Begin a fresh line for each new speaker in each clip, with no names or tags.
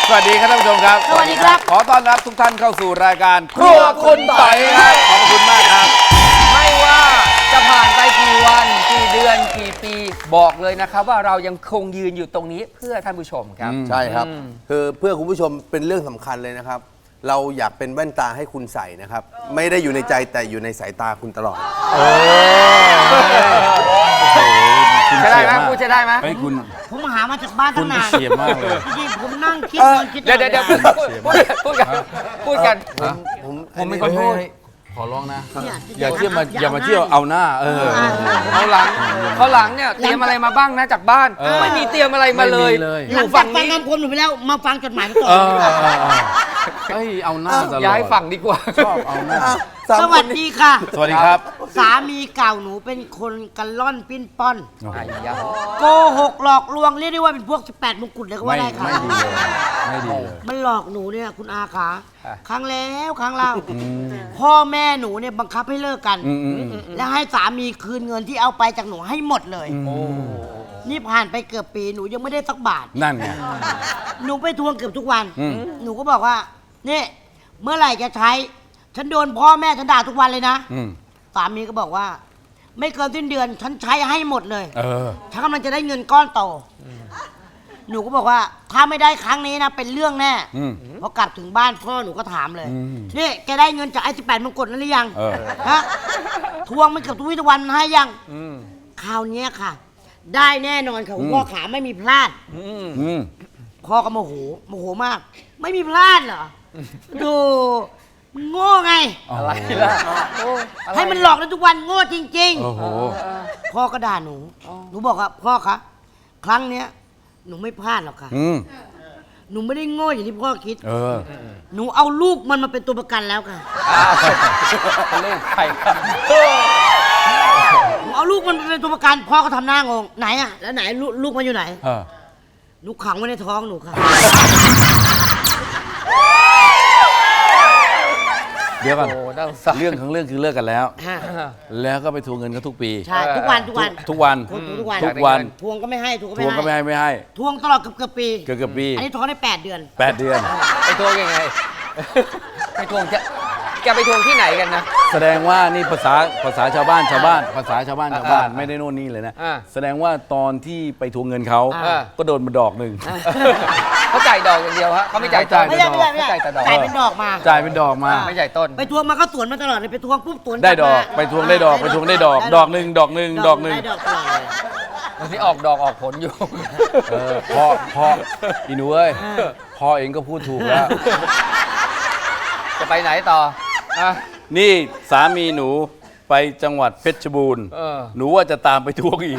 สวัสดีครับท่านผู้ชมครับ
สวัสดีครับ
ขอต้อนรับทุกท่านเข้าสู่รายการครัวคุณต่อยครับขอบคุณมากครับ
ไม่ว่าจะผ่านไปกี่วันกี่เดือนกี่ปีบอกเลยนะครับว่าเรายังคงยืนอยู่ตรงนี้เพื่อท่านผู้ชมครับ
ใช่ครับคือเพื่อคุณผู้ชมเป็นเรื่องสำคัญเลยนะครับ เราอยากเป็นแว่นตาให้คุณใส่นะครับ ไม่ได้อยู่ในใจแต่อยู่ในสายตาคุณตลอด
จะได้ไหมพูดจะได้ไหม
ให้คุณ
ผมหามาจากบ้าน
คุ
ตั้
ณ
งนาน
เฉียบมากเลย
จริงๆผมนั่งคิดคิด
เดี๋ยวพูดกัน
ผมไม่ค่อยพูดขอร้องนะ
เนี่ย
อย่าเที่ยวมาอย่ามาเที่ยวเอาหน้า
เขาหลังเนี่ยเตรียมอะไรมาบ้างนะจากบ้านไม่มีเตรียมอะไรมาเลย
ไม่มีเลย
อ
หลั
ยู่
ง
ฝั่
จาก
ง
ฟัง
นี้
คำคมหนูไปแล้วมาฟังจดหมายมาต่อ
เฮ้ยเอาหน้าตลอด
ย้ายฝั่งดีกว่า
ชอบเอาหน้า
สวัสดีค่ะ
สวัสดีครับ
สามีเก่าหนูเป็นคนกันล่อนปิ้นป้อน
ไอ้ยา
โกหกหลอกลวงเรียกได้ว่าเป็นพวก18มงกุฎเลยก็ว่าได้ค่ะ
ไม่ดีเลยไม่ดีเลย
มันหลอกหนูเนี่ยคุณอาขาครั้งแล้วครั้งเล่าพ่อแม่หนูเนี่ยบังคับให้เลิกกัน แล้วให้สามีคืนเงินที่เอาไปจากหนูให้หมดเลยนี่ผ่านไปเกือบปีหนูยังไม่ได้สักบาท
นั่นไง
หนูไปทวงเกือบทุกวัน หนูก็บอกว่านี่เมื่อไหร่จะใช้ ฉันโดนพ่อแม่ฉันด่าทุกวันเลยนะ สามีก็บอกว่า ไม่เกินสิ้นเดือน ฉันใช้ให้หมดเลย ฉันกำลังจะได้เงินก้อนโต หนูก็บอกว่า ถ้าไม่ได้ครั้งนี้นะเป็นเรื่องแน่พอกลับถึงบ้านพ่อหนูก็ถามเลยนี่แกได้เงินจากไอ้18มงกุฎนั้นหรือยังฮะทวงมันเกือบทุกวี่ทุกวันให้ยังคราวเนี้ยค่ะ ได้แน่นอนค่ะคุณพ่อขาไม่มีพลาดพ่อก็โมโหมาก ไม่มีพลาดเหรอดูมึงโง่ไง
อะไรล่ะ
ให้มันหลอกได้ทุกวันโง่จริง
โอ้โห
ๆพ่อก็ด่าหนูหนูบอกว่าพ่อคะครั้งเนี้ยหนูไม่พลาดหรอกค่ะหนูไม่ได้โง่อย่างที่พ่อคิดหนูเอาลูกมันมาเป็นตัวประกันแล้วค่ะ
ลูกใครครับ
หนูเอาลูกมันมาเป็นตัวประกันพ่อก็ทำหน้างงไหนอะแล้วไหนลูกมันอยู่ไหนหนูขังไว้ในท้องหนูค่ะ
เดี๋ยวก่อน
โอ้น่าสงสาร
เรื่องของเรื่องคือเลิกกันแล้ว แล้วก็ไปทวงเงินเขาทุกปี
ใช่ทุกวัน
ทุกวัน
ทุกวัน ทวงก็ไม่ให้
ทวงก็ไม่ให้
ทวงตลอดเกือบปี
เกือบปี
อันนี้ทวงได้8 เดือน
8 เดือน
ไปทวงยังไงไปทวงแกไปทวงที่ไหนกันนะ
แสดงว่านี่ภาษาชาวบ้านภาษาชาวบ้านไม่ได้โน่นนี่เลยนะ แสดงว่าตอนที่ไปทวงเงินเขาก็โดนมาดอกหนึ่ง
เขาจ่ายดอกอย่างเดียวฮะเขาไม่จ่ายต้น
ไม่ใช่
จ่ายแต่ดอก
จ่ายเป็นดอกมา
จ่ายเป็นดอกมา
ไม่จ่ายต้น
ไปทวงมาก็สวนมาตลอดเลยไปทวงปุ๊บสวน
ได้ดอกไปทวงได้ดอกไปทวงได้ดอกดอกหนึ่ง
ได้ดอกตลอดเลย
ตอนนี้ออกดอกออกผลอยู่
พ่ออีหนูเอ้ยพ่อเองก็พูดถูกแล้ว
จะไปไหนต่ออ่ะ
นี่สามีหนูไปจังหวัดเพชรบูรณ์หนูว่าจะตามไปทวงอีก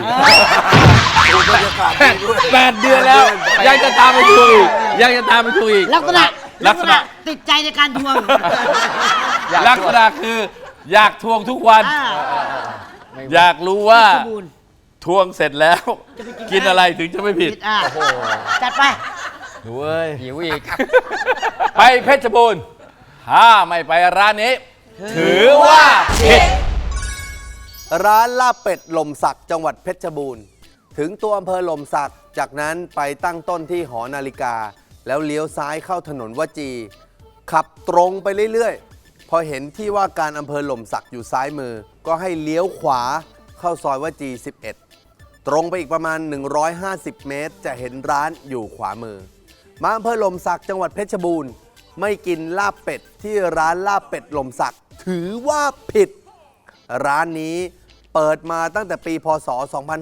8 เดือนแล้วยังจะตามไปทวงอีก
ลักษณะติดใจในการทวง
ลักษณะคืออยากทวงทุกวัน อยากรู้ว่าทวงเสร็จแล้วกินอะไรถึงจะไม่ผิด
จัดไป
หนูเอ้ย
หิวอีก
ไปเพชรบูรณ์ถ้าไม่ไปร้านนี้ถือว่าผิด
ร้านลาบเป็ดหล่มสักจังหวัดเพชรบูรณ์ถึงตัวอำเภอหล่มสักจากนั้นไปตั้งต้นที่หอนาฬิกา แล้วเลี้ยวซ้ายเข้าถนนวจี ขับตรงไปเรื่อยๆ พอเห็นที่ว่าการอำเภอหล่มสักอยู่ซ้ายมือ ก็ให้เลี้ยวขวาเข้าซอยวจี 11 ตรงไปอีกประมาณ 150 เมตรจะเห็นร้านอยู่ขวามือมาอำเภอหล่มสักจังหวัดเพชรบูรณ์ไม่กินลาบเป็ดที่ร้านลาบเป็ดหล่มสักถือว่าผิดร้านนี้เปิดมาตั้งแต่ปีพศ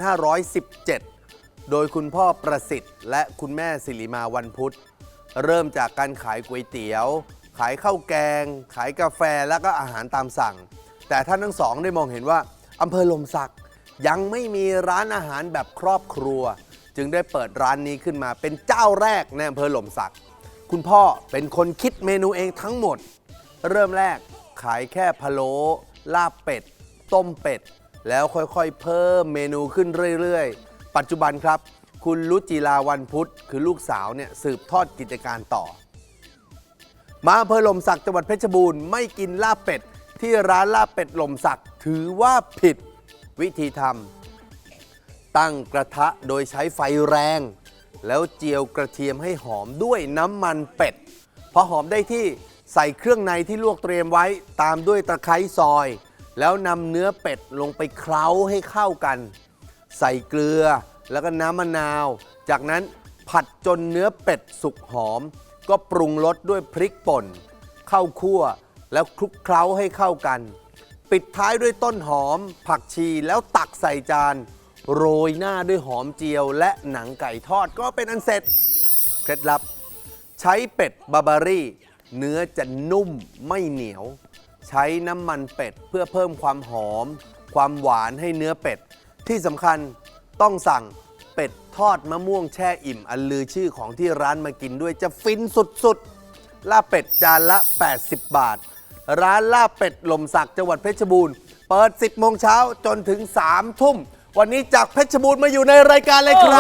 2517 โดยคุณพ่อประสิทธิ์และคุณแม่สิริมาวันพุธเริ่มจากการขายก๋วยเตี๋ยวขายข้าวแกงขายกาแฟแล้วก็อาหารตามสั่งแต่ท่านทั้งสองได้มองเห็นว่าอำเภอหล่มสักยังไม่มีร้านอาหารแบบครอบครัวจึงได้เปิดร้านนี้ขึ้นมาเป็นเจ้าแรกในอำเภอหล่มสักคุณพ่อเป็นคนคิดเมนูเองทั้งหมดเริ่มแรกขายแค่พะโล้ลาบเป็ดต้มเป็ดแล้วค่อยๆเพิ่มเมนูขึ้นเรื่อยๆปัจจุบันครับคุณรุจิราวันพุธคือลูกสาวเนี่ยสืบทอดกิจการต่อมาอำเภอหล่มสักจังหวัดเพชรบูรณ์ไม่กินลาบเป็ดที่ร้านลาบเป็ดหล่มสักถือว่าผิดวิธีทำตั้งกระทะโดยใช้ไฟแรงแล้วเจียวกระเทียมให้หอมด้วยน้ำมันเป็ดพอหอมได้ที่ใส่เครื่องในที่ลวกเตรียมไว้ตามด้วยตะไคร้ซอย แล้วนำเนื้อเป็ดลงไปเคล้าให้เข้ากัน ใส่เกลือแล้วก็น้ำมะนาว จากนั้นผัดจนเนื้อเป็ดสุกหอม ก็ปรุงรสด้วยพริกป่นข้าวคั่วแล้วคลุกเคล้าให้เข้ากัน ปิดท้ายด้วยต้นหอม ผักชีแล้วตักใส่จานโรยหน้าด้วยหอมเจียวและหนังไก่ทอดก็เป็นอันเสร็จเคล็ดลับ ใช้เป็ดบาบารี่เนื้อจะนุ่มไม่เหนียว ใช้น้ำมันเป็ดเพื่อเพิ่มความหอม ความหวานให้เนื้อเป็ดที่สำคัญต้องสั่งเป็ดทอดมะม่วงแช่อิ่มอันลือชื่อของที่ร้านมากินด้วยจะฟินสุดๆลาบเป็ดจานละ 80 บาท ร้านลาบเป็ดลมสักจังหวัดเพชรบูรณ์เปิด 10 โมงเช้าจนถึง 3 ทุ่ม วันนี้จากเพชรบูรณ์มาอยู่ในรายการเลยครับ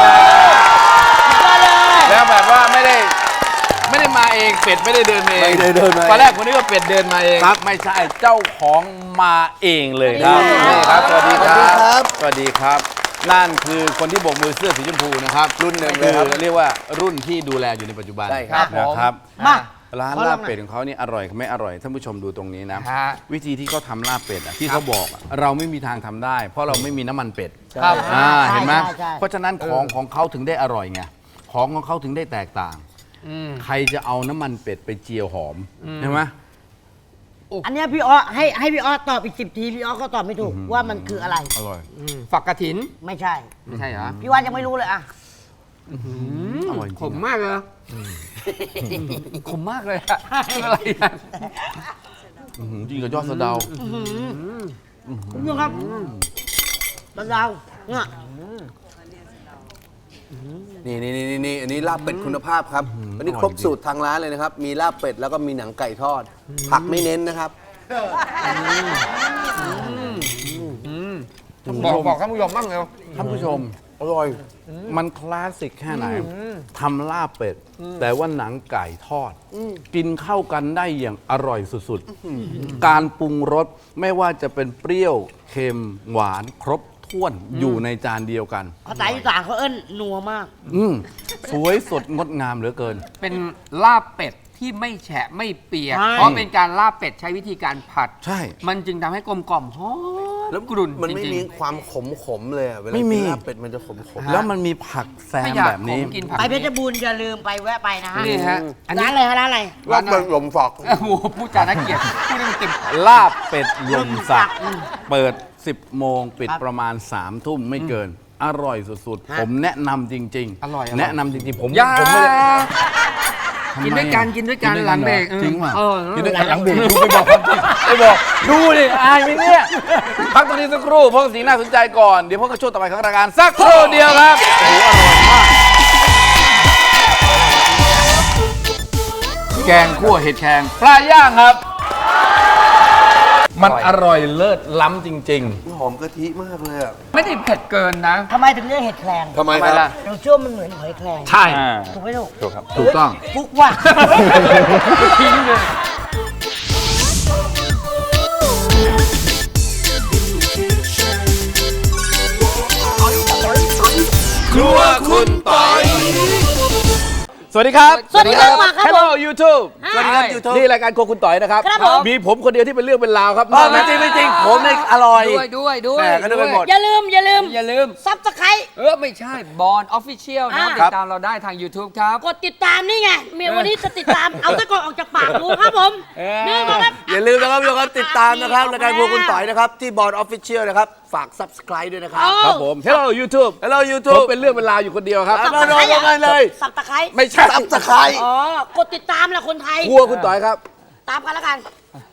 แล้วแบบว่าไม่ได้มาเองเป็ดไม่ได้เดินมาเอง
ไม่ได้เดินมาเอง
ตอนแรกคนนี้ก็เป็ดเดินมาเอง
ครับ
ไม่ใช่เจ้าของมาเองเลยครับ
นี่
นี่ครับสวัสดีครับ
สวัสดีครับ
สวัสดีครับ นั่นคือคนที่โบกมือเสื้อสีชมพูนะครับ
รุ่นหนึ่งเลยครับ
คือเรียกว่ารุ่นที่ดูแลอยู่ในปัจจุบัน
ใช่ครับ
นะครับ
มา
ร้าน
ขอล
ลา
อบ งหน่อย
เป็ดของเขานี่อร่อยไม่อร่อยท่านผู้ชมดูตรงนี้นะ
ฮะ
วิธีที่เขาทำลาบเป็ดอะที่เขาบอกอะเราไม่มีทางทำได้ เพราะเราไม่มีน้ำมันเป็ด
ครับ
เห็นไหม
ใช่
เพราะฉะนั้นของเขาถึงได้อร่อยไงของเขาถึงได้แตกต่าง ใครจะเอาน้ำมันเป็ดไปเจียวหอมใช่ไหม
อันเนี้ยพี่อ้อให้พี่อ้อตอบอีก10 ทีพี่อ้อก็ตอบไม่ถูกว่ามันคืออะไร
อร่อย
ฝักกระถิน
ไม่ใช่
ไม่ใช่เหรอ
พี่ว่ายังไม่รู้เลยอะ
อร่อยจริง
ขมมากเลยขมมากเลยอะอะไรอะ
จริงกับยอดสะเดา
คุณผู้ชมครับตะดาวเนี่ย
นี่อันนี้ลาบเป็ดคุณภาพครับอันนี้ครบสูตรทางร้านเลยนะครับ มีลาบเป็ดแล้วก็มีหนังไก่ทอด ผักไม่เน้นนะครับ
บอกท่านผู้ชมบ้างเร็ว
ท่านผู้ชม
อร่อย
มันคลาสสิกแค่ไหนทำลาบเป็ด แต่ว่าหนังไก่ทอด กินเข้ากันได้อย่างอร่อยสุดๆ การปรุงรสไม่ว่าจะเป็นเปรี้ยวเค็มหวานครบถ้วนอยู่ในจานเดียวกัน
ภาษาอีสานเขาเอิ้นนัวมาก
สวยสดงดงามเหลือเกิน
เป็นลาบเป็ดที่ไม่แฉะไม่เปียก
ใช่
เพราะเป็นการลาบเป็ดใช้วิธีการผัด
ใช่
มันจึงทำให้กลมกล่อมหอม
แล้ว
กรุ่น
มันไม่
จริง
มีความขมเลยอะเวลา
ไม่มี
กินลาบเป็ดมันจะขม
แล้วมันมีผักแซ
ๆ
ม
ถ้าอยาก
แบบนี้
ผมกินผัก
ไปเพชรบูรณ์อย่าลืมไปแวะไปนะฮะ
นี่ฮะอันนี้
ร้านอะไรฮะร้านอะไร
ลาบเป็ดลมฝัก
โอ้โหพูดจาน่าเกลียดพูดให้มันเต็ม
ลาบเป็ดลมสักเปิด 10 โมงปิดประมาณ 3 ทุ่มไม่เกิน อร่อยสุดๆ ผมแนะนำจริงๆ
อร่อย
แนะนำจริงๆ ผม
อย่า
ผมไม่ได้
กินด้วยกันกินด้วยกันหลังเบรก
จริงป่ะ
เออ
กินด้วยกันหลังเบรกดูไปบอกความจริงไปบอกดูดิอายไหมเนี่ยพักตรงนี้สักครู่เพราะสิ่งน่าสนใจก่อนเดี๋ยวพบกับช่วงต่อไปของรายการสักครู่เดียวครับโอ้โหอร่อยมากแกงคั่วเห็ดแครงปลาย่างครับ มันอร่อยเลิศล้ำจริง
หอมกะทิมากเลยอะ
ไม่ได้เผ็ดเกินนะ
ทำไมถึงเรียกเห็ดแครง
ทำไม
ทำไม
ครับ
ล่ะ
เราเชื่อว่ามันเหมือนหอยแครง
ใช่
ถูกไหมลูก
ถูกครับถูกต้อง
ฟุกว่ะ
ทิ้งเลย
ครัวคุณปอยสวัสดีครับ
สวัสดีครับมาครับ
Hello YouTube
สวัสดีครับ YouTube
นี่รายการโครัวคุณต่อยนะครับ
ครับผม
มีผมคนเดียวที่เป็นเรื่องเป็นราวครับ
ไม่จริงไม่จริงผมเนี่ยอร่อย
ด้วย
แหม่ก็นึกไปหมด
อย่าลืม
อย่าลืม
ซับสไครต์
ไม่ใช่บอลออฟฟิเชียลนะ
อ่า
ติดตามเราได้ทาง YouTube ครับ
กดติดตามนี่ไงเมียวันนี้จะติดตาม เอาตะกอนออกจากปากดูครับผม นี่ก็ครับ
อย่าลืมนะครับทุกคนติดตามนะครับรายการพวกคุณต่อยนะครับ ที่บอร์ดออฟฟิเชียลนะครับ ฝาก subscribe ด้วยนะครับ
ครับผม Hello YouTube
Hello
ผม
YouTube
เป็นเรื่องเป็นราวอยู่คนเดียวครับ
มาโดนกันเลย
สับตะไคร้
ไม่ใช่
subscribe
อ๋อ กดติดตามแหละคนไทย
ครัวคุณต่อยครับ
ตามกันแล้วกัน